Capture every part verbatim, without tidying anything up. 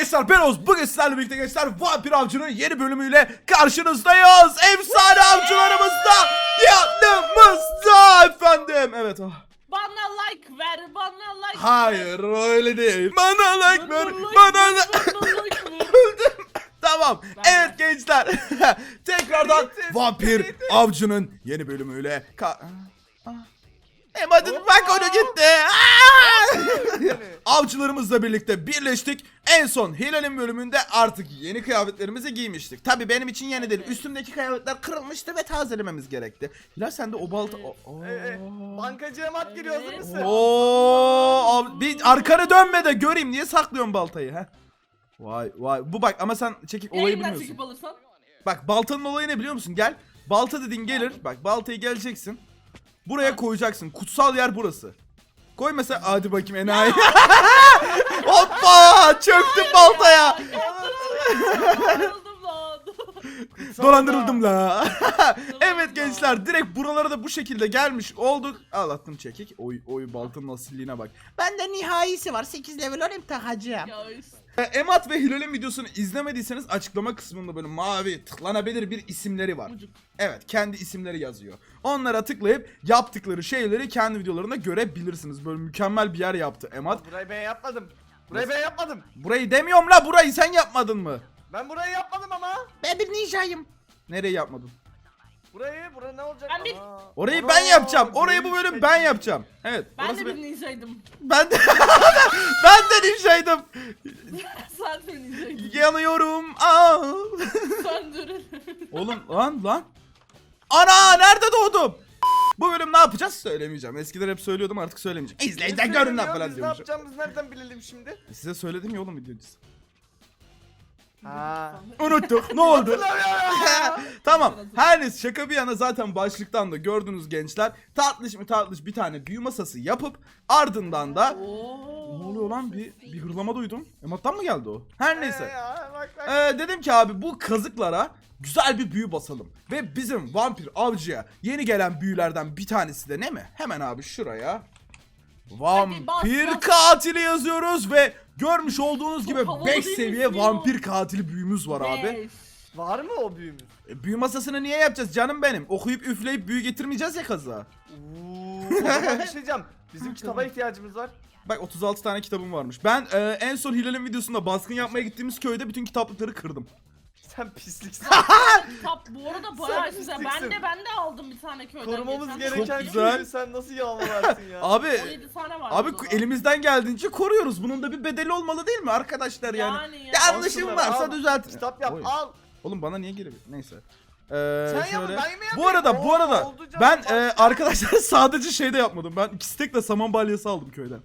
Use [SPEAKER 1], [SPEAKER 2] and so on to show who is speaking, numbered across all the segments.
[SPEAKER 1] gençler, ben Oğuz. Bugün sizlerle birlikte gençler Vampir Avcı'nın yeni bölümüyle karşınızdayız. Efsane avcılarımız da yanımızda efendim. Evet. Oh.
[SPEAKER 2] Bana like ver, bana like
[SPEAKER 1] Hayır, öyle değil. Bana like ver,
[SPEAKER 2] like
[SPEAKER 1] bana
[SPEAKER 2] ver,
[SPEAKER 1] like.
[SPEAKER 2] bana like ver.
[SPEAKER 1] Öldüm. Tamam.
[SPEAKER 2] Ben
[SPEAKER 1] Evet gençler. Tekrardan Vampir Avcı'nın yeni bölümüyle ka Emad'ın bak onu gitti. Avcılarımızla birlikte birleştik. En son Hilal'in bölümünde artık yeni kıyafetlerimizi giymiştik. Tabi benim için yeni değil. Üstümdeki kıyafetler kırılmıştı ve tazelememiz gerekti. Hilal sen de o balta... Oo.
[SPEAKER 3] Evet. Bankacı Emat geliyor, hazır mısın?
[SPEAKER 1] Oo, ab- bir arkanı dönme de göreyim, niye saklıyorsun baltayı ha? Vay vay, bu bak ama sen çekik olayı
[SPEAKER 2] Yayından
[SPEAKER 1] bilmiyorsun.
[SPEAKER 2] çekip alırsan.
[SPEAKER 1] Bak baltanın olayı ne biliyor musun? Gel. Balta dediğin gelir. Bak baltayı geleceksin. Buraya koyacaksın. Kutsal yer burası. Koy mesela, hadi bakayım enayi. Hoppa! Çöktüm baltaya.
[SPEAKER 2] Dolandırıldım lan.
[SPEAKER 1] Dolandırıldım la. Evet gençler, direkt buralara da bu şekilde gelmiş olduk. Ağlattım çekik. Oy oy, baltanın asilliğine bak. Bende nihayesi var. sekiz level olayım takacağım.
[SPEAKER 2] Ya işte.
[SPEAKER 1] Emat ve Hilal'in videosunu izlemediyseniz açıklama kısmında böyle mavi tıklanabilir bir isimleri var.
[SPEAKER 2] Mucuk.
[SPEAKER 1] Evet, kendi isimleri yazıyor. Onlara tıklayıp yaptıkları şeyleri kendi videolarında görebilirsiniz. Böyle mükemmel bir yer yaptı Emat.
[SPEAKER 3] Burayı ben yapmadım. Burayı ben yapmadım.
[SPEAKER 1] Burayı demiyorum la, burayı sen yapmadın mı?
[SPEAKER 3] Ben burayı yapmadım ama.
[SPEAKER 1] Ben bir ninjayım. Nereyi yapmadın?
[SPEAKER 3] Burayı, bura ne olacak?
[SPEAKER 2] Ben bir-
[SPEAKER 3] Aa.
[SPEAKER 1] Orayı
[SPEAKER 3] Ana,
[SPEAKER 1] ben yapacağım. Orayı bu
[SPEAKER 3] büyük
[SPEAKER 1] bölüm
[SPEAKER 3] şey.
[SPEAKER 1] ben yapacağım. Evet.
[SPEAKER 2] Ben
[SPEAKER 1] orası
[SPEAKER 2] de
[SPEAKER 1] bir-
[SPEAKER 2] bir ninjaydım.
[SPEAKER 1] Ben de ben de ninjaydım.
[SPEAKER 2] Sen de ninjaydın.
[SPEAKER 1] Yanıyorum. Aa.
[SPEAKER 2] Söndürün.
[SPEAKER 1] Oğlum lan lan. Ana, nerede doğdum? Bu bölüm ne yapacağız söylemeyeceğim. Eskiden hep söylüyordum, artık söylemeyeceğim. İzleyin de
[SPEAKER 3] Biz
[SPEAKER 1] görün lan
[SPEAKER 3] söylemiyoruz,
[SPEAKER 1] falan
[SPEAKER 3] biz ne
[SPEAKER 1] diyormuşum.
[SPEAKER 3] yapacağımızı nereden bilelim şimdi?
[SPEAKER 1] Size söyledim ya oğlum videocu.
[SPEAKER 3] Ha.
[SPEAKER 1] Unuttuk. Ne oldu?
[SPEAKER 3] Hatırlamıyorum.
[SPEAKER 1] Tamam. Her neyse, şaka bir yana zaten başlıktan da gördünüz gençler. Tatlış mı tatlış bir tane büyü masası yapıp ardından da
[SPEAKER 2] Oo.
[SPEAKER 1] ne oluyor lan, bir bir hırlama duydum. Emat'tan mı geldi o? Her neyse.
[SPEAKER 3] Ya, bak, bak.
[SPEAKER 1] Ee, dedim ki abi bu kazıklara güzel bir büyü basalım. Ve bizim vampir avcıya yeni gelen büyülerden bir tanesi de ne mi? Hemen abi şuraya vampir
[SPEAKER 2] bas, bas.
[SPEAKER 1] katili yazıyoruz ve görmüş olduğunuz
[SPEAKER 2] Çok
[SPEAKER 1] gibi
[SPEAKER 2] havalı
[SPEAKER 1] beş
[SPEAKER 2] değil
[SPEAKER 1] seviye
[SPEAKER 2] mi ya?
[SPEAKER 1] vampir katili büyümüz var abi.
[SPEAKER 2] Beş.
[SPEAKER 3] Var mı o büyümüz?
[SPEAKER 1] E, büyü masasını niye yapacağız canım benim? Okuyup üfleyip büyü getirmeyeceğiz ya kazığa.
[SPEAKER 3] Uuu. O zaman bir şey diyeceğim. Bizim kitaba ihtiyacımız var.
[SPEAKER 1] Bak otuz altı tane kitabım varmış. Ben e, en son Hilal'in videosunda baskın yapmaya gittiğimiz köyde bütün kitaplıkları kırdım.
[SPEAKER 3] Sen pisliksin.
[SPEAKER 2] Kitap bu arada bayağı
[SPEAKER 3] Sen
[SPEAKER 2] güzel.
[SPEAKER 3] pisliksin.
[SPEAKER 2] Ben de ben de aldım bir tane köyden.
[SPEAKER 3] Korumamız
[SPEAKER 2] geçen.
[SPEAKER 3] gereken
[SPEAKER 1] Çok güzel.
[SPEAKER 3] köyü sen nasıl yağmalarsın ya?
[SPEAKER 1] Abi
[SPEAKER 2] on yedi tane var.
[SPEAKER 1] Abi
[SPEAKER 2] o zaman.
[SPEAKER 1] elimizden geldiğince koruyoruz. Bunun da bir bedeli olmalı değil mi arkadaşlar yani?
[SPEAKER 2] Yani ya.
[SPEAKER 1] Yanlışım
[SPEAKER 3] Al şunları,
[SPEAKER 1] varsa
[SPEAKER 3] al.
[SPEAKER 1] düzelt.
[SPEAKER 3] Kitap yap,
[SPEAKER 1] Oy.
[SPEAKER 3] al.
[SPEAKER 1] Oğlum bana niye geliyor? Neyse. Ee,
[SPEAKER 3] Sen
[SPEAKER 1] şöyle.
[SPEAKER 3] yapma, ben mi yapayım?
[SPEAKER 1] Bu arada bu
[SPEAKER 3] Oo,
[SPEAKER 1] arada
[SPEAKER 3] oldu canım,
[SPEAKER 1] ben
[SPEAKER 3] bak.
[SPEAKER 1] e, arkadaşlar sadece şey de yapmadım. Ben iki stekle saman balyası aldım köyden.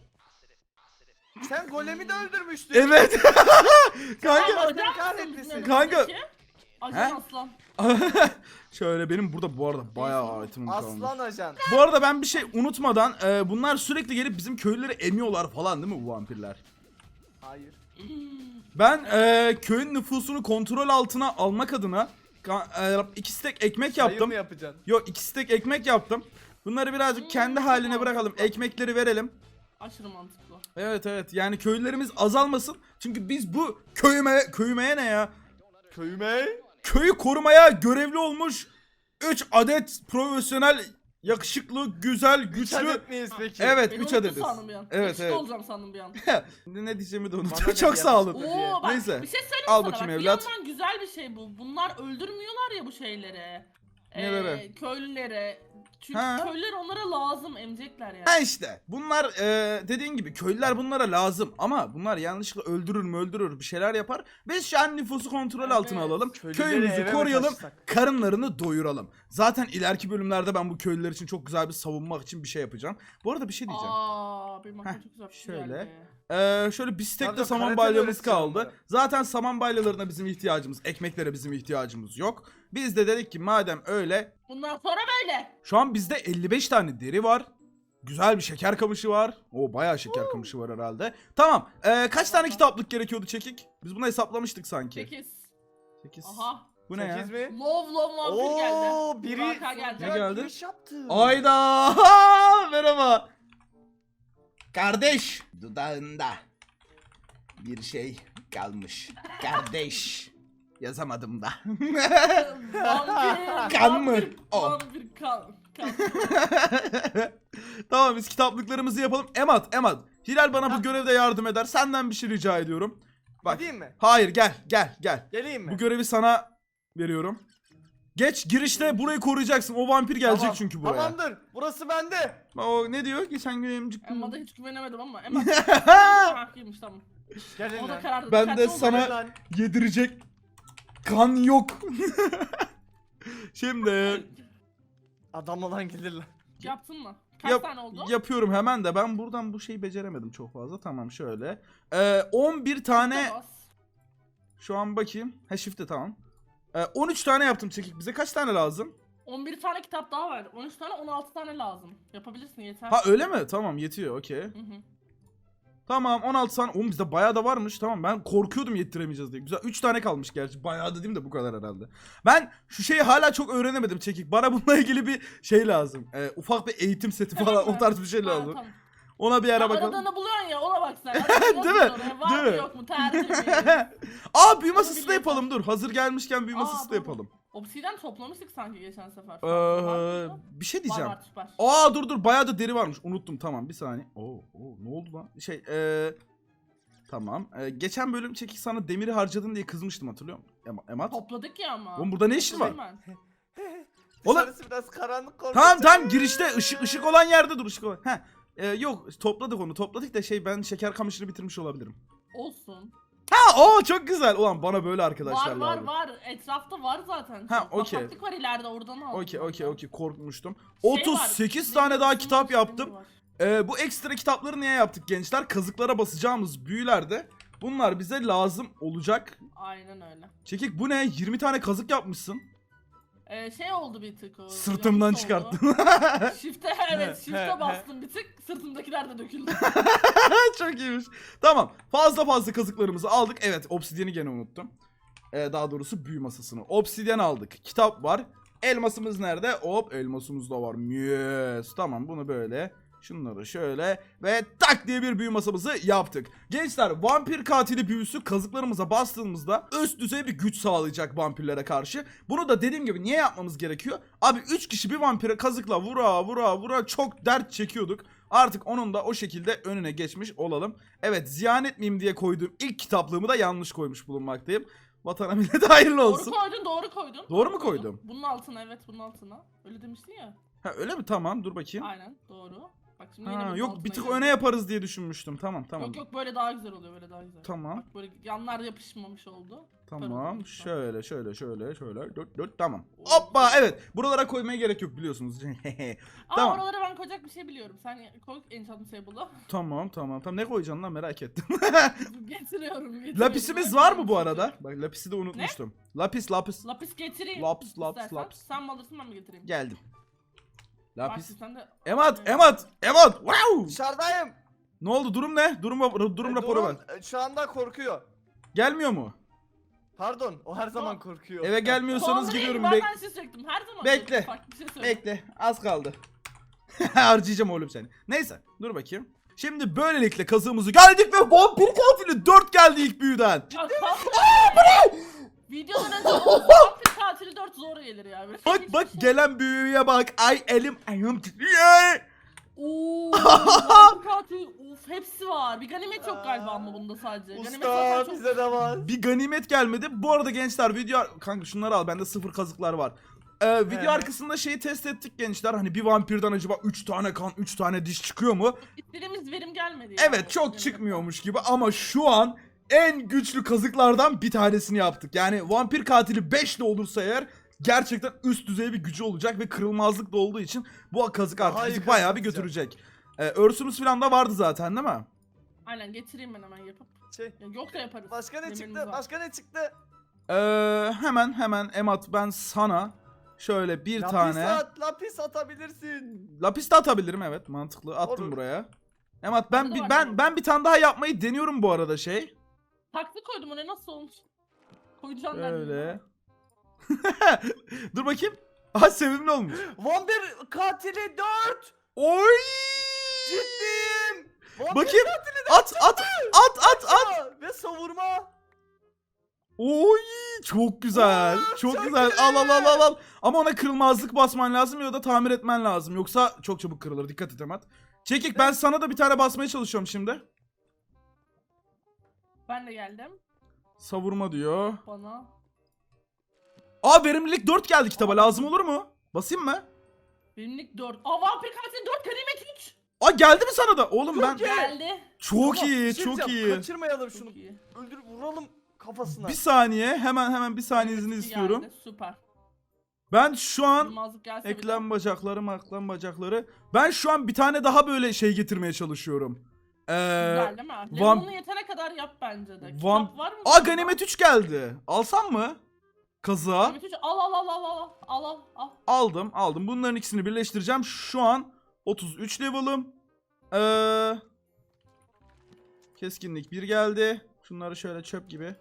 [SPEAKER 3] Sen golemi de öldürmüştün.
[SPEAKER 1] Evet.
[SPEAKER 2] Kanka.
[SPEAKER 1] Kanka.
[SPEAKER 3] Allah kahretmesin.
[SPEAKER 1] Kanka.
[SPEAKER 2] Ajan
[SPEAKER 1] He?
[SPEAKER 2] aslan.
[SPEAKER 1] Şöyle benim burada bu arada bayağı itemim kalmış.
[SPEAKER 3] Aslan ajan.
[SPEAKER 1] Bu arada ben bir şey unutmadan e, bunlar sürekli gelip bizim köylüleri emiyorlar falan değil mi bu vampirler?
[SPEAKER 3] Hayır.
[SPEAKER 1] Ben e, köyün nüfusunu kontrol altına almak adına ka- e, iki stek ekmek
[SPEAKER 3] Sayı
[SPEAKER 1] yaptım.
[SPEAKER 3] mı yapacaksın?
[SPEAKER 1] Yok, iki stek ekmek yaptım. Bunları birazcık kendi haline bırakalım. Ekmekleri verelim.
[SPEAKER 2] Aşırı mantıklı.
[SPEAKER 1] Evet evet, yani köylülerimiz azalmasın. Çünkü biz bu köyüme köyümeye ne ya?
[SPEAKER 3] Köyüme.
[SPEAKER 1] Köyü korumaya görevli olmuş üç adet profesyonel, yakışıklı, güzel,
[SPEAKER 3] Üç
[SPEAKER 1] güçlü.
[SPEAKER 3] adet miyiz peki?
[SPEAKER 1] Evet,
[SPEAKER 2] Beni
[SPEAKER 1] üç
[SPEAKER 2] unuttun
[SPEAKER 1] adetiz.
[SPEAKER 2] sandım bir an.
[SPEAKER 1] Evet
[SPEAKER 2] Yakışıklı
[SPEAKER 1] evet.
[SPEAKER 2] olacağım sandım bir an.
[SPEAKER 1] Ne diyeceğimi de
[SPEAKER 3] Bana
[SPEAKER 1] unuttum.
[SPEAKER 3] ne
[SPEAKER 1] Çok
[SPEAKER 3] diye
[SPEAKER 1] sağ olun.
[SPEAKER 3] yapsın?
[SPEAKER 2] Oo bak
[SPEAKER 1] Neyse.
[SPEAKER 2] bir şey söyleyeyim
[SPEAKER 1] Al
[SPEAKER 2] sana.
[SPEAKER 1] bakayım
[SPEAKER 2] bak,
[SPEAKER 1] evlat.
[SPEAKER 2] Bir yandan güzel bir şey bu. Bunlar öldürmüyorlar ya bu şeyleri.
[SPEAKER 1] Neleri?
[SPEAKER 2] Köylülere. Çünkü
[SPEAKER 1] Ha.
[SPEAKER 2] köylüler onlara lazım, emecekler yani.
[SPEAKER 1] Ha işte bunlar e, dediğin gibi köylüler bunlara lazım ama bunlar yanlışlıkla öldürür mü öldürür bir şeyler yapar. Biz şu an nüfusu kontrol
[SPEAKER 2] Evet.
[SPEAKER 1] altına alalım.
[SPEAKER 3] Köylüleri eve
[SPEAKER 1] Köyümüzü
[SPEAKER 3] mi
[SPEAKER 1] koruyalım.
[SPEAKER 3] taşısak?
[SPEAKER 1] Karınlarını doyuralım. Zaten ileriki bölümlerde ben bu köylüler için çok güzel bir savunmak için bir şey yapacağım. Bu arada bir şey diyeceğim.
[SPEAKER 2] Aa, benim aklıma
[SPEAKER 1] Heh,
[SPEAKER 2] çok güzel bir şey
[SPEAKER 1] şöyle.
[SPEAKER 2] geldi.
[SPEAKER 1] Ee, şöyle bir stek de
[SPEAKER 3] Pardon,
[SPEAKER 1] saman
[SPEAKER 3] karate
[SPEAKER 1] balyamız
[SPEAKER 3] öğreteceğim
[SPEAKER 1] kaldı.
[SPEAKER 3] onlara.
[SPEAKER 1] Zaten saman balyalarına bizim ihtiyacımız, ekmeklere bizim ihtiyacımız yok. Biz de dedik ki madem öyle,
[SPEAKER 2] Bundan sonra böyle.
[SPEAKER 1] şu an bizde elli beş tane deri var. Güzel bir şeker kamışı var. O bayağı şeker kamışı var herhalde. Tamam. Ee, kaç tane kitaplık gerekiyordu çekik? Biz bunu hesaplamıştık sanki.
[SPEAKER 2] sekiz.
[SPEAKER 1] sekiz.
[SPEAKER 2] Aha.
[SPEAKER 1] Bu ne ya?
[SPEAKER 3] sekiz mi?
[SPEAKER 2] Love love vampir geldi.
[SPEAKER 3] Oo, biri
[SPEAKER 2] Burak'a geldi.
[SPEAKER 1] Ne geldi?
[SPEAKER 3] giriş yaptı.
[SPEAKER 1] Ayda. Merhaba. Kardeş. Dudağında bir şey kalmış. Kardeş. Yazamadım da.
[SPEAKER 2] Vampir.
[SPEAKER 1] Kan mı?
[SPEAKER 2] vampir,
[SPEAKER 1] O.
[SPEAKER 2] Vampir kan. kan.
[SPEAKER 1] Tamam biz kitaplıklarımızı yapalım. Emat, Emat. Hilal bana bu görevde yardım eder. Senden bir şey rica ediyorum. Bak.
[SPEAKER 3] Gideyim mi?
[SPEAKER 1] Hayır gel gel gel.
[SPEAKER 3] Geleyim mi?
[SPEAKER 1] Bu görevi sana veriyorum. Geç girişte burayı koruyacaksın. O vampir gelecek
[SPEAKER 3] Tamam,
[SPEAKER 1] çünkü buraya.
[SPEAKER 3] Tamamdır. Burası bende.
[SPEAKER 1] O ne diyor? Geçen gün emcik.
[SPEAKER 2] Emma'da hiç güvenemedim ama Emma haklıymış tamam.
[SPEAKER 3] Gelin
[SPEAKER 2] O da
[SPEAKER 3] lan.
[SPEAKER 2] karardı.
[SPEAKER 1] Ben
[SPEAKER 2] dikkatli
[SPEAKER 1] de
[SPEAKER 2] ol.
[SPEAKER 1] sana-
[SPEAKER 3] Gelin lan.
[SPEAKER 1] Yedirecek kan yok. Şimdi
[SPEAKER 3] Adam olan gelir lan.
[SPEAKER 2] Yaptın mı? Kaç
[SPEAKER 1] yap-
[SPEAKER 2] tane oldu?
[SPEAKER 1] yapıyorum hemen de ben buradan bu şeyi beceremedim çok fazla. Tamam şöyle. Ee, on bir tane
[SPEAKER 2] Bas.
[SPEAKER 1] şu an bakayım. Ha shift'e tamam. Ee, on üç tane yaptım çekik. Bize kaç tane lazım?
[SPEAKER 2] on bir tane kitap daha var. on üç tane on altı tane lazım. Yapabilirsin yeter.
[SPEAKER 1] Ha öyle mi? Tamam yetiyor okey.
[SPEAKER 2] Hı hı.
[SPEAKER 1] Tamam on altı tane. Oğlum bizde bayağı da varmış. Tamam ben korkuyordum yettiremeyeceğiz diye. Güzel üç tane kalmış gerçi. Bayağı da değil de bu kadar herhalde. Ben şu şeyi hala çok öğrenemedim çekik. Bana bununla ilgili bir şey lazım. Ee, ufak bir eğitim seti falan
[SPEAKER 2] Tamam
[SPEAKER 1] o
[SPEAKER 2] mı?
[SPEAKER 1] tarz bir şey
[SPEAKER 2] Ha,
[SPEAKER 1] lazım.
[SPEAKER 2] tamam.
[SPEAKER 1] Ona bir
[SPEAKER 2] Ya
[SPEAKER 1] ara bakalım.
[SPEAKER 2] aradığını buluyorsun ya ona bak sen.
[SPEAKER 1] Değil mi?
[SPEAKER 2] Var
[SPEAKER 1] Değil
[SPEAKER 2] mı
[SPEAKER 1] mi?
[SPEAKER 2] yok mu? Tercih mi?
[SPEAKER 1] Aa büyü
[SPEAKER 2] Onu
[SPEAKER 1] masası da
[SPEAKER 2] biliyorum.
[SPEAKER 1] yapalım dur. Hazır gelmişken büyü
[SPEAKER 2] Aa,
[SPEAKER 1] masası da
[SPEAKER 2] doğru.
[SPEAKER 1] yapalım.
[SPEAKER 2] Obsidian toplamıştık sanki geçen sefer.
[SPEAKER 1] Ee,
[SPEAKER 2] Var mıydı?
[SPEAKER 1] bir şey
[SPEAKER 2] Var
[SPEAKER 1] diyeceğim.
[SPEAKER 2] var süper.
[SPEAKER 1] Aa dur dur bayağı da deri varmış. Unuttum tamam bir saniye. Oo, oo ne oldu lan? Şey eee tamam. Ee, geçen bölüm çekik sana demiri harcadın diye kızmıştım hatırlıyor musun? Em- Emat.
[SPEAKER 2] Topladık ya ama.
[SPEAKER 1] Oğlum burada ne işin var?
[SPEAKER 2] Topladım ben.
[SPEAKER 1] Oğlum-
[SPEAKER 3] Dışarısı biraz karanlık korkunç.
[SPEAKER 1] Tamam tamam girişte ışık ışık olan yerde dur ışık olan. Heh. Ee, yok topladık onu topladık da şey ben şeker kamışını bitirmiş olabilirim.
[SPEAKER 2] Olsun.
[SPEAKER 1] Ha o çok güzel. Ulan bana böyle arkadaşlar
[SPEAKER 2] Var var
[SPEAKER 1] lazım.
[SPEAKER 2] var. Etrafta var zaten.
[SPEAKER 1] Ha,
[SPEAKER 2] Bak,
[SPEAKER 1] okey.
[SPEAKER 2] Bataklık var ileride oradan aldım.
[SPEAKER 1] Okey okey okey korkmuştum.
[SPEAKER 2] Şey var,
[SPEAKER 1] otuz sekiz
[SPEAKER 2] demir
[SPEAKER 1] tane daha
[SPEAKER 2] üstünde
[SPEAKER 1] kitap
[SPEAKER 2] demir
[SPEAKER 1] yaptım.
[SPEAKER 2] var.
[SPEAKER 1] Ee, bu ekstra kitapları niye yaptık gençler? Kazıklara basacağımız büyülerde bunlar bize lazım olacak.
[SPEAKER 2] Aynen öyle.
[SPEAKER 1] Çekik bu ne? yirmi tane kazık yapmışsın.
[SPEAKER 2] Ee, şey oldu bir tık o.
[SPEAKER 1] Sırtımdan
[SPEAKER 2] yanlış
[SPEAKER 1] çıkarttın.
[SPEAKER 2] oldu. Shift'e evet
[SPEAKER 3] He,
[SPEAKER 2] shift'e
[SPEAKER 3] he,
[SPEAKER 2] bastım bir tık. Sırtımdakiler de döküldü.
[SPEAKER 1] Çok iyiymiş. Tamam. Fazla fazla kazıklarımızı aldık. Evet, obsidiyeni gene unuttum. Ee, daha doğrusu büyü masasını. Obsidyen aldık. Kitap var. Elmasımız nerede? Hop, elmasımız da var. Yes. Tamam, bunu böyle. Şunları şöyle ve tak diye bir büyü masamızı yaptık. Gençler vampir katili büyüsü kazıklarımıza bastığımızda üst düzey bir güç sağlayacak vampirlere karşı. Bunu da dediğim gibi niye yapmamız gerekiyor? Abi üç kişi bir vampire kazıkla vura vura vura çok dert çekiyorduk. Artık onun da o şekilde önüne geçmiş olalım. Evet ziyan etmeyeyim diye koyduğum ilk kitaplığımı da yanlış koymuş bulunmaktayım. Vatana millete hayırlı olsun.
[SPEAKER 2] Doğru koydun doğru koydun.
[SPEAKER 1] Doğru mu koydum?
[SPEAKER 2] Bunun altına evet bunun altına. Öyle demiştin ya.
[SPEAKER 1] Ha öyle mi? Tamam dur bakayım.
[SPEAKER 2] Aynen doğru. Bak şimdi yine
[SPEAKER 1] Ha,
[SPEAKER 2] bunun
[SPEAKER 1] yok
[SPEAKER 2] altına
[SPEAKER 1] bir tık
[SPEAKER 2] geldi.
[SPEAKER 1] öne yaparız diye düşünmüştüm. Tamam tamam.
[SPEAKER 2] Yok yok böyle daha güzel oluyor böyle daha güzel.
[SPEAKER 1] Tamam.
[SPEAKER 2] Bak böyle yanlar yapışmamış oldu.
[SPEAKER 1] Tamam
[SPEAKER 2] Süper oldu.
[SPEAKER 1] şöyle şöyle şöyle şöyle dört dört tamam. Hoppa evet buralara koymaya gerek yok biliyorsunuz.
[SPEAKER 2] Aa
[SPEAKER 1] Tamam.
[SPEAKER 2] oralara ben koyacak bir şey biliyorum. Sen koy enchantment table'a.
[SPEAKER 1] Tamam tamam tamam ne koyacaksın lan merak ettim.
[SPEAKER 2] getiriyorum, getiriyorum.
[SPEAKER 1] Lapisimiz var mı bu arada? Bak lapisi de unutmuştum. Lapis lapis.
[SPEAKER 2] Lapis getireyim.
[SPEAKER 1] Laps, laps,
[SPEAKER 2] istersen.
[SPEAKER 1] laps.
[SPEAKER 2] Sen mi alırsın ben mi getireyim?
[SPEAKER 1] Geldim. Lapis.
[SPEAKER 2] Bak, sen de...
[SPEAKER 1] Emat Emat Emat wow.
[SPEAKER 3] Dışarıdayım.
[SPEAKER 1] Ne oldu durum ne? Durum durum
[SPEAKER 3] E,
[SPEAKER 1] raporu ver.
[SPEAKER 3] Dorun, e, Şu anda korkuyor.
[SPEAKER 1] Gelmiyor mu?
[SPEAKER 3] Pardon, o her zaman korkuyor.
[SPEAKER 1] Eve gelmiyorsanız
[SPEAKER 2] Sonra
[SPEAKER 1] gidiyorum.
[SPEAKER 2] Ben
[SPEAKER 1] Bek
[SPEAKER 2] ben size çektim her zaman.
[SPEAKER 1] Bekle.
[SPEAKER 2] çektim. Farklı bir şey söyle.
[SPEAKER 1] bekle az kaldı. Harcayacağım oğlum seni. Neyse dur bakayım. Şimdi böylelikle kazığımızı geldik ve vampir katili dört geldi ilk büyüden.
[SPEAKER 2] Ya kalk. Videodan önce vampir katili dört zor gelir ya. Böyle
[SPEAKER 1] Bak
[SPEAKER 2] hiçbir
[SPEAKER 1] bak
[SPEAKER 2] şey-
[SPEAKER 1] gelen büyüye bak. Ay elim ayağım titriyor.
[SPEAKER 2] Oo, vampir katili of hepsi var. Bir ganimet yok galiba ama bunda sadece. Ganimet
[SPEAKER 3] Usta
[SPEAKER 2] zaten çok...
[SPEAKER 3] bize de var.
[SPEAKER 1] Bir ganimet gelmedi. Bu arada gençler video... Kanka şunları al bende sıfır kazıklar var. Ee, video
[SPEAKER 3] Evet.
[SPEAKER 1] arkasında şeyi test ettik gençler. Hani bir vampirden acaba üç tane kan üç tane diş çıkıyor mu?
[SPEAKER 2] İstediğimiz verim gelmedi.
[SPEAKER 1] Evet
[SPEAKER 2] yani.
[SPEAKER 1] çok çıkmıyormuş gibi ama şu an en güçlü kazıklardan bir tanesini yaptık. Yani vampir katili beş de olursa eğer gerçekten üst düzey bir gücü olacak ve kırılmazlık da olduğu için bu kazık artık
[SPEAKER 3] Daha iyi
[SPEAKER 1] bizi bayağı bir
[SPEAKER 3] kazıklayacak.
[SPEAKER 1] götürecek. Ee, örsümüz falan da vardı zaten değil mi?
[SPEAKER 2] Aynen getireyim ben hemen yapıp.
[SPEAKER 3] Şey,
[SPEAKER 2] Ya yok da yaparız.
[SPEAKER 3] başka ne
[SPEAKER 2] Demirimiz
[SPEAKER 3] çıktı?
[SPEAKER 2] var.
[SPEAKER 3] Başka ne çıktı?
[SPEAKER 1] Ee, hemen hemen Emat ben sana şöyle bir
[SPEAKER 3] lapis
[SPEAKER 1] tane
[SPEAKER 3] at, lapis atabilirsin.
[SPEAKER 1] lapis de atabilirim evet mantıklı attım
[SPEAKER 3] Olur.
[SPEAKER 1] buraya. Emat ben
[SPEAKER 2] Bende
[SPEAKER 1] bir
[SPEAKER 2] var
[SPEAKER 1] ben
[SPEAKER 2] benim.
[SPEAKER 1] ben bir tane daha yapmayı deniyorum bu arada şey.
[SPEAKER 2] Taklı koydum o ne nasıl olmuş? Koyacağım ben.
[SPEAKER 1] Öyle. Dur bakayım. Aha sevimli olmuş.
[SPEAKER 3] Vampir katili dört.
[SPEAKER 1] Oy!
[SPEAKER 3] Ciddiyim. Vampir
[SPEAKER 1] Bakayım.
[SPEAKER 3] katili
[SPEAKER 1] At at at at at.
[SPEAKER 3] dört. Ve savurma.
[SPEAKER 1] Oy çok güzel.
[SPEAKER 3] Oo,
[SPEAKER 1] çok,
[SPEAKER 3] çok
[SPEAKER 1] güzel.
[SPEAKER 3] iyi.
[SPEAKER 1] Al al al al al. Ama ona kırılmazlık basman lazım ya da tamir etmen lazım. Yoksa çok çabuk kırılır. Dikkat et Emat. Çekik ben sana da bir tane basmaya çalışıyorum şimdi.
[SPEAKER 2] Ben de geldim.
[SPEAKER 1] Savurma diyor.
[SPEAKER 2] Bana.
[SPEAKER 1] Aa verimlilik dört geldi kitaba. Lazım olur mu? Basayım mı?
[SPEAKER 2] Benimlik dört. Aa vampir katil dört, ganimet üç.
[SPEAKER 1] Aa geldi mi sana da? Oğlum ben...
[SPEAKER 3] Çok iyi.
[SPEAKER 2] Geldi.
[SPEAKER 1] Çok
[SPEAKER 3] Ama
[SPEAKER 1] iyi,
[SPEAKER 3] bir şey
[SPEAKER 1] çok
[SPEAKER 3] diyeceğim,
[SPEAKER 1] iyi.
[SPEAKER 3] Kaçırmayalım şunu.
[SPEAKER 2] Çok iyi.
[SPEAKER 3] Öldür vuralım kafasına.
[SPEAKER 1] Bir saniye. Hemen hemen bir saniyenizi
[SPEAKER 2] Ganimet iki
[SPEAKER 1] istiyorum.
[SPEAKER 2] geldi, süper.
[SPEAKER 1] Ben şu an...
[SPEAKER 2] Kırmazlık gelse
[SPEAKER 1] Eklem bacakları, maklem bacakları. Ben şu an bir tane daha böyle şey getirmeye çalışıyorum. Ee,
[SPEAKER 2] Güzel değil mi?
[SPEAKER 1] vam-
[SPEAKER 2] Level'ını yetene kadar yap bence de.
[SPEAKER 1] Vam-
[SPEAKER 2] Kitap var mı?
[SPEAKER 1] Aa ganimet üç geldi. Alsam mı? Kazığa.
[SPEAKER 2] Ganimet üç. Al al al al al al al al.
[SPEAKER 1] Aldım, aldım. Bunların ikisini birleştireceğim. Şu an otuz üç level'ım. Ee, keskinlik bir geldi. Şunları şöyle çöp gibi.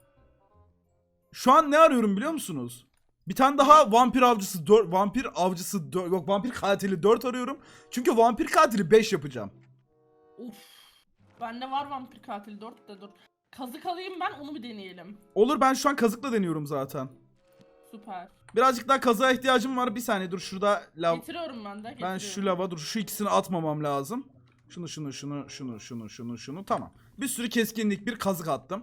[SPEAKER 1] Şu an ne arıyorum biliyor musunuz? Bir tane daha vampir avcısı dört, vampir avcısı dört, yok vampir katili dört arıyorum. Çünkü vampir katili beş yapacağım.
[SPEAKER 2] Uf. Bende var vampir katil dört de dur. Kazık alayım ben, onu bir deneyelim.
[SPEAKER 1] Olur ben şu an kazıkla deniyorum zaten.
[SPEAKER 2] Süper.
[SPEAKER 1] Birazcık daha kazığa ihtiyacım var. Bir saniye dur şurada lav.
[SPEAKER 2] Getiriyorum ben de.
[SPEAKER 1] Ben
[SPEAKER 2] getiriyorum.
[SPEAKER 1] şu lava dur şu ikisini atmamam lazım. Şunu şunu şunu şunu şunu şunu şunu tamam. Bir sürü keskinlik bir kazık attım.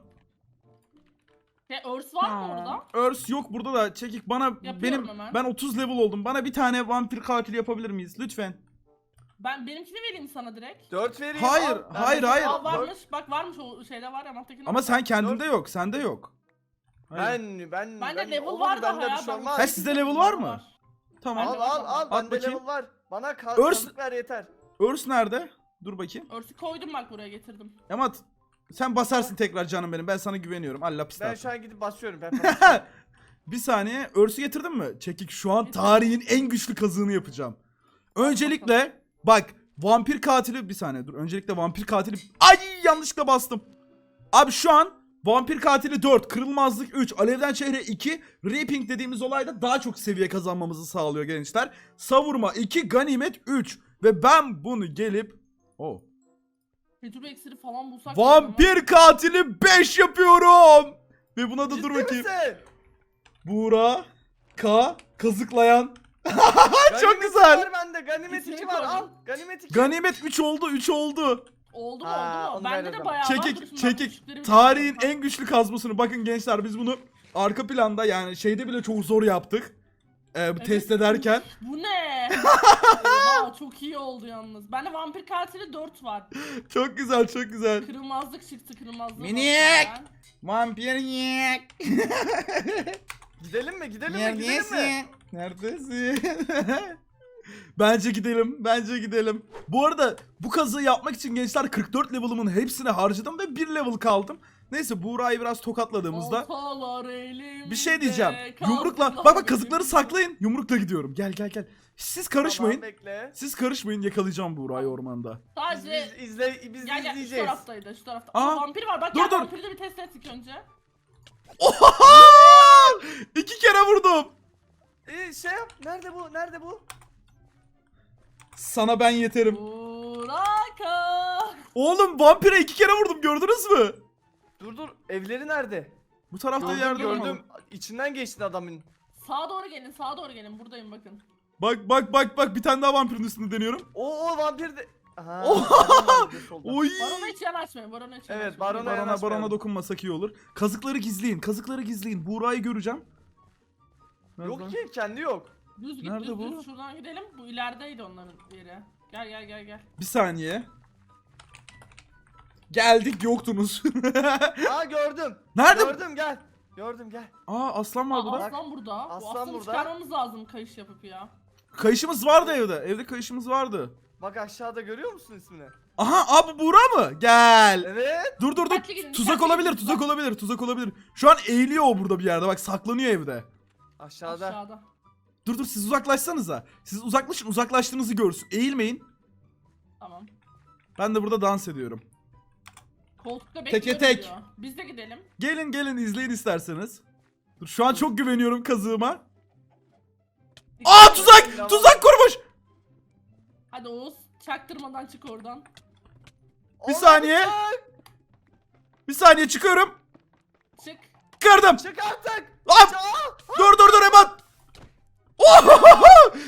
[SPEAKER 2] Şey, örs var mı orada?
[SPEAKER 1] Örs yok burada da çekik bana
[SPEAKER 2] Yapıyorum
[SPEAKER 1] benim
[SPEAKER 2] hemen.
[SPEAKER 1] ben otuz level oldum. Bana bir tane vampir katili yapabilir miyiz lütfen?
[SPEAKER 2] Ben benimkini vereyim sana direkt.
[SPEAKER 3] dört vereyim.
[SPEAKER 1] Hayır,
[SPEAKER 3] al. Ben
[SPEAKER 1] hayır,
[SPEAKER 3] de-
[SPEAKER 1] hayır.
[SPEAKER 3] al,
[SPEAKER 2] Aa varmış. Bak varmış o şeyde var ya Mahtek'in.
[SPEAKER 1] Ama sen kendinde yok, sende yok. Hayır.
[SPEAKER 3] Ben ben
[SPEAKER 2] Bende
[SPEAKER 3] ben
[SPEAKER 2] level
[SPEAKER 3] olur,
[SPEAKER 2] var daha
[SPEAKER 3] bende
[SPEAKER 2] ya.
[SPEAKER 3] bir şey
[SPEAKER 2] ben-
[SPEAKER 3] olmaz.
[SPEAKER 1] Ha, sizde level var mı? Tamam.
[SPEAKER 3] Al al al
[SPEAKER 1] At
[SPEAKER 3] bende
[SPEAKER 1] bakayım.
[SPEAKER 3] level var. Bana ka-
[SPEAKER 1] Örs-
[SPEAKER 3] kazık ver yeter.
[SPEAKER 1] Örs nerede? Dur bakayım.
[SPEAKER 2] Örsü koydum bak buraya getirdim.
[SPEAKER 1] Ama sen basarsın tekrar canım benim. Ben sana güveniyorum. Allah pis
[SPEAKER 3] Ben
[SPEAKER 1] tarafı.
[SPEAKER 3] şu an gidip basıyorum. Ben basıyorum.
[SPEAKER 1] Bir saniye. Örsü getirdin mi? Çekik şu an tarihin en güçlü kazığını yapacağım. Öncelikle bak vampir katili bir saniye dur. Öncelikle vampir katili ay yanlışlıkla bastım. Abi şu an vampir katili dört, kırılmazlık üç, alevden çehre iki, reaping dediğimiz olayda daha çok seviye kazanmamızı sağlıyor gençler. Savurma iki, ganimet üç ve ben bunu gelip oh.
[SPEAKER 2] Tecrübe iksiri falan bulsak.
[SPEAKER 1] Vampir katili beş yapıyorum. Ve buna da
[SPEAKER 3] Ciddi
[SPEAKER 1] dur bakayım.
[SPEAKER 3] misin?
[SPEAKER 1] Buğra K kazıklayan.
[SPEAKER 3] Ganimet
[SPEAKER 1] güzel.
[SPEAKER 3] Var bende. Ganimet
[SPEAKER 2] İkisini
[SPEAKER 3] iki var.
[SPEAKER 2] koydum.
[SPEAKER 3] Al. Ganimet iki.
[SPEAKER 1] Ganimet üç oldu, üç oldu.
[SPEAKER 2] Oldu mu
[SPEAKER 3] Ha,
[SPEAKER 2] oldu
[SPEAKER 3] onu
[SPEAKER 2] mu?
[SPEAKER 3] ver
[SPEAKER 2] Bende
[SPEAKER 3] o
[SPEAKER 2] de
[SPEAKER 3] zaman.
[SPEAKER 2] bayağı var. Dur
[SPEAKER 1] Çekik,
[SPEAKER 2] şimdi ben
[SPEAKER 1] çekik.
[SPEAKER 2] küçükleri bir
[SPEAKER 1] Tarihin
[SPEAKER 2] bakayım.
[SPEAKER 1] en güçlü kazmasını. Bakın gençler biz bunu arka planda yani şeyde bile çok zor yaptık. Ee, bu
[SPEAKER 2] Evet.
[SPEAKER 1] test ederken.
[SPEAKER 2] Bu ne? Oha çok iyi oldu yalnız. Bende vampir katili dört var.
[SPEAKER 1] Çok güzel, çok güzel.
[SPEAKER 2] Kırılmazlık çıktı kırılmazlık.
[SPEAKER 1] Minik! Vampir yek.
[SPEAKER 3] Gidelim mi? Gidelim mi? Gidelim mi?
[SPEAKER 1] Neredesin? Bence gidelim. Bence gidelim. Bu arada bu kazığı yapmak için gençler kırk dört level'ımın hepsini harcadım ve bir level kaldım. Neyse Buğra'yı biraz tokatladığımızda
[SPEAKER 2] Oltalar elimde,
[SPEAKER 1] bir şey diyeceğim. Yumrukla
[SPEAKER 2] kazılar
[SPEAKER 1] bak bak kazıkları
[SPEAKER 2] elimde.
[SPEAKER 1] saklayın. Yumrukla gidiyorum. Gel gel gel. Siz karışmayın.
[SPEAKER 3] Tamam, bekle.
[SPEAKER 1] Siz karışmayın yakalayacağım Buğra'yı ormanda.
[SPEAKER 3] Biz,
[SPEAKER 2] Sadece
[SPEAKER 3] biz izle biz
[SPEAKER 2] gel gel şu
[SPEAKER 3] izleyeceğiz.
[SPEAKER 2] taraftaydı şu tarafta.
[SPEAKER 1] Aa,
[SPEAKER 2] Aa, vampir var bak
[SPEAKER 1] dur,
[SPEAKER 2] gel
[SPEAKER 1] dur.
[SPEAKER 2] vampiri de bir test ettik önce.
[SPEAKER 1] Oha! İki kere vurdum.
[SPEAKER 3] Ee, şey yap. Nerede bu? Nerede bu?
[SPEAKER 1] Sana ben yeterim.
[SPEAKER 2] Buraka.
[SPEAKER 1] Oğlum vampire iki kere vurdum gördünüz mü?
[SPEAKER 3] Dur dur. Evleri nerede?
[SPEAKER 1] Bu tarafta
[SPEAKER 3] Gördüm
[SPEAKER 1] yerde
[SPEAKER 3] gördüm.
[SPEAKER 1] olmalı.
[SPEAKER 3] İçinden geçti adamın.
[SPEAKER 2] Sağa doğru gelin sağa doğru gelin buradayım bakın.
[SPEAKER 1] Bak bak bak bak bir tane daha vampirin üstünde deniyorum.
[SPEAKER 3] O o vampir de. Aha.
[SPEAKER 1] Oha!
[SPEAKER 3] barona gidiyor solda.
[SPEAKER 1] Oy!
[SPEAKER 2] Barona hiç yanaşmayın barona hiç
[SPEAKER 3] Evet,
[SPEAKER 2] yanaşmayın.
[SPEAKER 3] barona
[SPEAKER 1] Barona
[SPEAKER 3] yanaşmayalım.
[SPEAKER 1] barona dokunmasak iyi olur. Kazıkları gizleyin. Kazıkları gizleyin. Buğra'yı göreceğim. Nerede?
[SPEAKER 3] Yok ki kendi yok.
[SPEAKER 2] Düz git
[SPEAKER 1] Nerede
[SPEAKER 2] düz
[SPEAKER 1] bu?
[SPEAKER 2] düz şuradan gidelim. Bu ilerideydi onların yeri. Gel gel gel gel.
[SPEAKER 1] Bir saniye. Geldik yoktunuz.
[SPEAKER 3] Aa gördüm.
[SPEAKER 1] Nerede?
[SPEAKER 3] Gördüm gel. Gördüm gel.
[SPEAKER 1] Aa aslan var
[SPEAKER 2] Aa,
[SPEAKER 1] burada.
[SPEAKER 2] aslan burada.
[SPEAKER 3] Aslan
[SPEAKER 2] Bu aslanı
[SPEAKER 3] burada.
[SPEAKER 2] çıkarmamız lazım kayış yapıp ya.
[SPEAKER 1] Kayışımız vardı evde. Evde kayışımız vardı.
[SPEAKER 3] Bak aşağıda görüyor musun ismini?
[SPEAKER 1] Aha abi Buğra mı? Gel.
[SPEAKER 3] Evet.
[SPEAKER 1] Dur dur dur.
[SPEAKER 2] Dikkatli gidin,
[SPEAKER 1] Tuzak
[SPEAKER 2] dikkatli
[SPEAKER 1] olabilir,
[SPEAKER 2] gidin.
[SPEAKER 1] tuzak olabilir, tuzak olabilir. Şu an eğiliyor o burada bir yerde. Bak saklanıyor evde.
[SPEAKER 3] Aşağıda.
[SPEAKER 2] Aşağıda.
[SPEAKER 1] Dur dur siz uzaklaşsanıza. Siz uzaklaşın, uzaklaştığınızı görsün. Eğilmeyin.
[SPEAKER 2] Tamam.
[SPEAKER 1] Ben de burada dans ediyorum.
[SPEAKER 2] Koltukta
[SPEAKER 1] Teke
[SPEAKER 2] bekliyoruz
[SPEAKER 1] tek.
[SPEAKER 2] diyor. Biz de gidelim.
[SPEAKER 1] Gelin gelin izleyin isterseniz. Dur şu an çok güveniyorum kazığıma. Aa tuzak! Tuzak kurmuş!
[SPEAKER 2] Hadi Oğuz çaktırmadan çık oradan.
[SPEAKER 1] Bir
[SPEAKER 3] Allah
[SPEAKER 1] saniye.
[SPEAKER 3] bıçak!
[SPEAKER 1] Bir saniye çıkıyorum.
[SPEAKER 2] Çık.
[SPEAKER 1] Kırdım.
[SPEAKER 3] Çık artık.
[SPEAKER 1] Hop.
[SPEAKER 3] Aa!
[SPEAKER 1] Dur dur dur hemen. Ohohoho!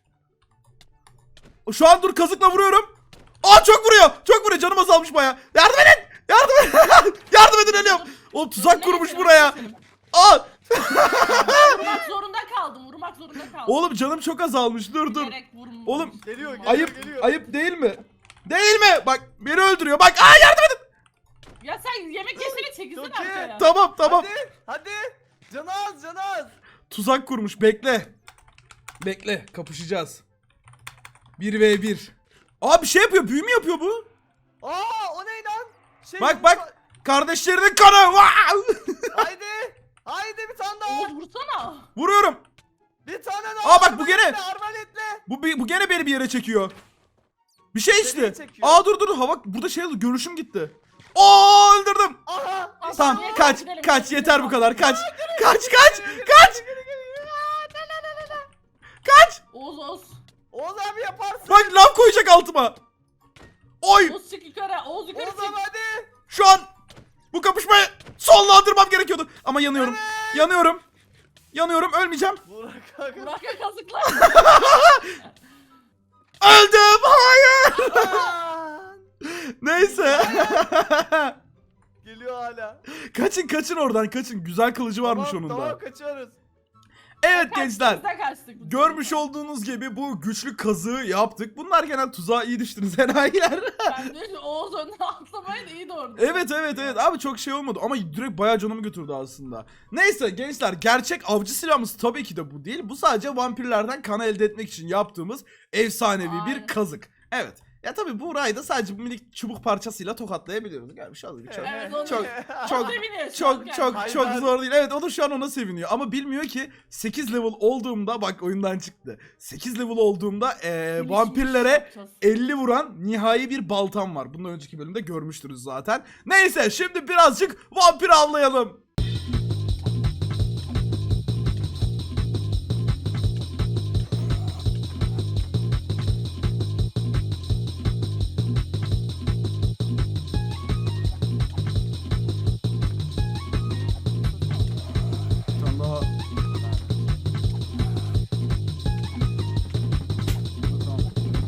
[SPEAKER 1] Şu an dur kazıkla vuruyorum. Aa çok vuruyor. Çok vuruyor. Canım azalmış baya. Yardım edin. Yardım edin. Yardım edin ölüyorum. Oğlum tuzak kurmuş buraya. Aa.
[SPEAKER 2] Vurmak zorunda kaldım. Vurmak zorunda kaldım.
[SPEAKER 1] Oğlum canım çok azalmış. Dur dur.
[SPEAKER 2] Bilerek vurmadım.
[SPEAKER 1] Oğlum,
[SPEAKER 3] Geliyor, geliyor.
[SPEAKER 1] Ayıp.
[SPEAKER 3] geliyor.
[SPEAKER 1] Ayıp değil mi? Değil mi? Bak beni öldürüyor. Bak. Aa yardım edin.
[SPEAKER 2] Ya sen yemek yesene çekilsene
[SPEAKER 3] Çok iyi.
[SPEAKER 2] arkaya.
[SPEAKER 1] Tamam tamam.
[SPEAKER 3] Hadi. Hadi. Canı az canı az.
[SPEAKER 1] Tuzak kurmuş. Bekle. Bekle. Kapışacağız. bir ve bir. Aa bir şey yapıyor. Büyü mü yapıyor bu?
[SPEAKER 3] Aa o ne lan? Şey,
[SPEAKER 1] Bak bak. Kardeşlerinin kanı. Vaa!
[SPEAKER 3] Haydi. Haydi bir tane daha.
[SPEAKER 2] Oğuz vursana.
[SPEAKER 1] Vuruyorum.
[SPEAKER 3] Bir tane daha.
[SPEAKER 1] Aa, bak bu gene.
[SPEAKER 3] Arbaletle, arbaletle.
[SPEAKER 1] Bu, bi- bu gene beni bir yere çekiyor. Bir şey içti.
[SPEAKER 3] Nereye çekiyor?
[SPEAKER 1] Aa dur dur. Hava burada şey oldu. Görüşüm gitti. Oo öldürdüm.
[SPEAKER 3] Aha.
[SPEAKER 2] Aa,
[SPEAKER 1] Tamam
[SPEAKER 2] yeter,
[SPEAKER 1] kaç.
[SPEAKER 2] gidelim,
[SPEAKER 1] Kaç
[SPEAKER 2] gidelim.
[SPEAKER 1] yeter bu kadar. Kaç. Kaç kaç. Kaç. Kaç.
[SPEAKER 2] Oğuz Oğuz.
[SPEAKER 3] Oğuz abi yaparsın.
[SPEAKER 1] Bak lav koyacak altıma. Oy.
[SPEAKER 2] Oğuz çık yukarı. Oğuz yukarı
[SPEAKER 3] Oğuz
[SPEAKER 2] çık.
[SPEAKER 3] abi hadi.
[SPEAKER 1] Şu an bu kapışmayı sonlandırmam gerekiyordu. Ama yanıyorum. Yanıyorum. Yanıyorum. Ölmeyeceğim.
[SPEAKER 3] Burak kanka.
[SPEAKER 2] Burak'a kazıklar.
[SPEAKER 1] Öldüm. Hayır.
[SPEAKER 3] Aman.
[SPEAKER 1] Neyse.
[SPEAKER 3] Geliyor hala.
[SPEAKER 1] Kaçın kaçın oradan kaçın. Güzel kılıcı varmış
[SPEAKER 3] Tamam,
[SPEAKER 1] onun da.
[SPEAKER 3] Tamam kaçıyoruz.
[SPEAKER 1] Evet gençler.
[SPEAKER 2] Biz de kaçtık.
[SPEAKER 1] Görmüş olduğunuz gibi bu güçlü kazığı yaptık. Bunlar genel tuzağa iyi düştünüz enayiler.
[SPEAKER 2] Ben de Oğuz önden atlamayı da iyi doğru.
[SPEAKER 1] Evet evet evet abi çok şey olmadı ama direkt bayağı canımı götürdü aslında. Neyse gençler gerçek avcı silahımız tabii ki de bu değil. Bu sadece vampirlerden kan elde etmek için yaptığımız efsanevi bir
[SPEAKER 2] Aynen.
[SPEAKER 1] kazık. Evet. Ya tabii bu rayda sadece bu minik çubuk parçasıyla tokatlayabiliyoruz. Yani şu çok
[SPEAKER 2] Evet, onu-
[SPEAKER 1] çok çok
[SPEAKER 2] Seviniyor şu an
[SPEAKER 1] çok
[SPEAKER 2] kendisi.
[SPEAKER 1] çok
[SPEAKER 3] Hayır,
[SPEAKER 1] çok
[SPEAKER 3] ben-
[SPEAKER 1] zor değil. Evet o da şu an ona seviniyor ama bilmiyor ki sekiz level olduğumda bak oyundan çıktı. sekiz level olduğumda eee,
[SPEAKER 2] Finish,
[SPEAKER 1] vampirlere
[SPEAKER 2] finish yapacağız.
[SPEAKER 1] elli vuran nihai bir baltam var. Bundan önceki bölümde görmüştünüz zaten. Neyse şimdi birazcık vampir avlayalım. Bir tane daha. Tamam.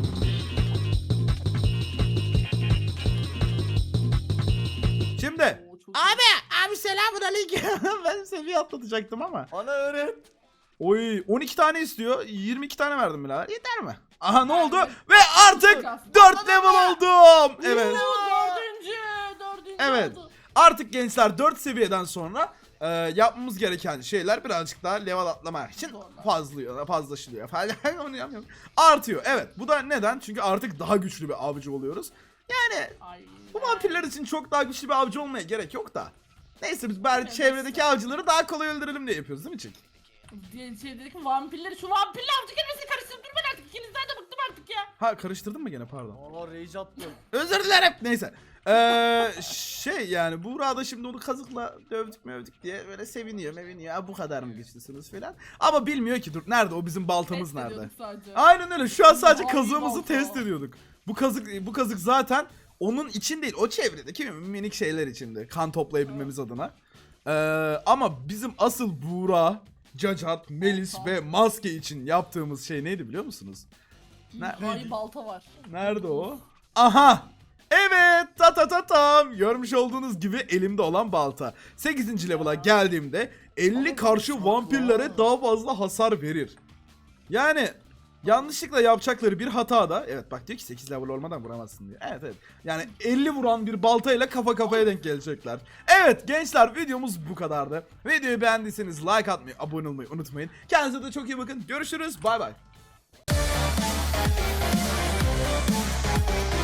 [SPEAKER 1] Şimdi
[SPEAKER 2] Oo, çok iyi.
[SPEAKER 1] abi abi selamun aleyküm. Ben seviye atlatacaktım ama.
[SPEAKER 3] Bana öğret.
[SPEAKER 1] Oy on iki tane istiyor. yirmi iki tane verdim birader. Yeter mi? Aha ne oldu?
[SPEAKER 2] Evet.
[SPEAKER 1] Ve artık dört level oldum. Evet.
[SPEAKER 2] Oo, dördüncü. Dördüncü
[SPEAKER 1] Evet.
[SPEAKER 2] oldu.
[SPEAKER 1] Artık gençler dört seviyeden sonra e, yapmamız gereken şeyler birazcık daha level atlamak için fazlıyor, fazlaşılıyor falan. Onu yapmıyorum. Artıyor. Evet. Bu da neden? Çünkü artık daha güçlü bir avcı oluyoruz. Yani
[SPEAKER 2] Ay.
[SPEAKER 1] bu vampirler için çok daha güçlü bir avcı olmaya gerek yok da. Neyse biz bari
[SPEAKER 2] Evet.
[SPEAKER 1] çevredeki avcıları daha kolay öldürelim diye yapıyoruz değil mi Çek?
[SPEAKER 2] Diye şey dedik ki vampirleri şu vampirle avcı kelimesini karıştırıp durmayın artık. İkinizden de bıktım artık ya.
[SPEAKER 1] Ha karıştırdın mı gene pardon.
[SPEAKER 3] Aa rage attım.
[SPEAKER 1] Özür dilerim. Neyse. Ee, şey yani Buğra da şimdi onu kazıkla dövdük mövdük diye böyle seviniyor meviniyor. Ha, bu kadar mı güçlüsünüz falan. Ama bilmiyor ki dur nerede o bizim baltamız
[SPEAKER 2] Test
[SPEAKER 1] nerede.
[SPEAKER 2] ediyorduk sadece.
[SPEAKER 1] Aynen öyle şu an sadece
[SPEAKER 2] Ay,
[SPEAKER 1] kazığımızı
[SPEAKER 2] balta.
[SPEAKER 1] test ediyorduk. Bu kazık bu kazık zaten onun için değil o çevredeki minik şeyler içinde kan toplayabilmemiz adına. Ee, ama bizim asıl Buğra, Cacat, Melis
[SPEAKER 2] Balta.
[SPEAKER 1] ve Maske için yaptığımız şey neydi biliyor musunuz? Ne-
[SPEAKER 2] Ay balta var.
[SPEAKER 1] Nerede o? Aha! Evet ta ta ta tam. Görmüş olduğunuz gibi elimde olan balta. sekizinci level'a geldiğimde elli karşı vampirlere daha fazla hasar verir. Yani yanlışlıkla yapacakları bir hata da evet bak diyor ki sekiz level olmadan vuramazsın diyor. Evet evet. Yani elli vuran bir baltayla kafa kafaya denk gelecekler. Evet gençler videomuz bu kadardı. Videoyu beğendiyseniz like atmayı, abone olmayı unutmayın. Kendinize de çok iyi bakın. Görüşürüz. Bay bay.